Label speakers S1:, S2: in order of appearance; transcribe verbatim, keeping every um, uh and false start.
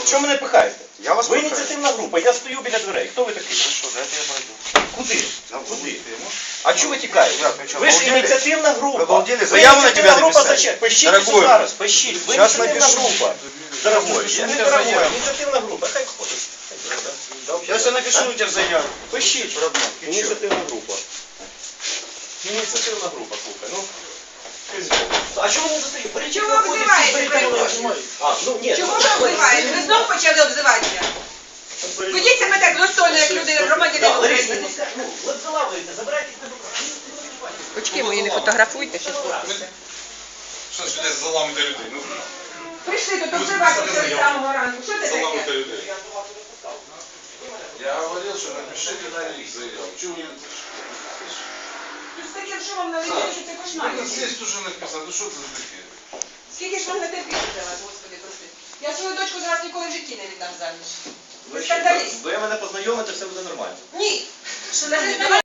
S1: Що мене пихаєте?
S2: Я вас
S1: Ви
S2: пихаю.
S1: ініціативна група, я стою біля дверей. Хто ви такий?
S2: Хорошо, дайте я пойду.
S1: Куди?
S2: На
S1: Куди?
S2: вулицю.
S1: А чого ви тікаєте?
S2: Як, ви що,
S1: Ви ж
S2: обалдели?
S1: ініціативна група.
S2: Ви обалдели?
S1: Ви
S2: Заяву на
S1: ініціативна
S2: тебя
S1: група
S2: написали.
S1: зачем? Пишіть
S2: Дорогой.
S1: все зараз, пишіть. Ви
S2: Щас
S1: ініціативна
S2: напишу.
S1: група. Дорогой,
S2: Пишіть
S1: я не
S2: мені
S1: дорогой,
S2: заяву.
S1: ініціативна група. Хай ходить.
S2: Сейчас я напишу тебе заяву.
S1: Пишіть.
S2: Родной, ты чё?
S1: Ініціативна група. Ініціативна група, слухай. Ну, а чого ви не застоїте? Беріть
S3: Чого
S1: телефон,
S3: ви
S1: всі
S3: обзиваєте,
S1: беріть
S3: перепрошую?
S1: телефон. А, ну ні.
S3: Чого ви обзиваєте? Ви знов почали обзиватися. Ведіть себе так достойно, як люди, громадяни
S1: Так, Лариса,
S3: України.
S1: не пускай- ну, ви залавуєте, забирайтесь на руку.
S3: Очки мої не фотографуйте, що сфоткайте.
S4: Що ж десь заламити людей? Ну,
S3: Прийшли тут обзиватися з самого ранку. Що це
S4: заламити
S3: таке?
S4: людей. Я говорив, що напишіть на рік заяву. Чого ви...
S3: Тут з таким шумом на людей, що це кошмар.
S4: Ну, здесь уже написано, ну що це таке?
S3: Скільки ж можна терпіти за вас, Господи, прости. Я свою дочку зараз ніколи в житті не віддам заміж.
S1: Ви
S3: Ви
S1: ще-
S3: скандаліст.
S1: ви мене познайомите, все буде нормально.
S3: Ні. Що навіть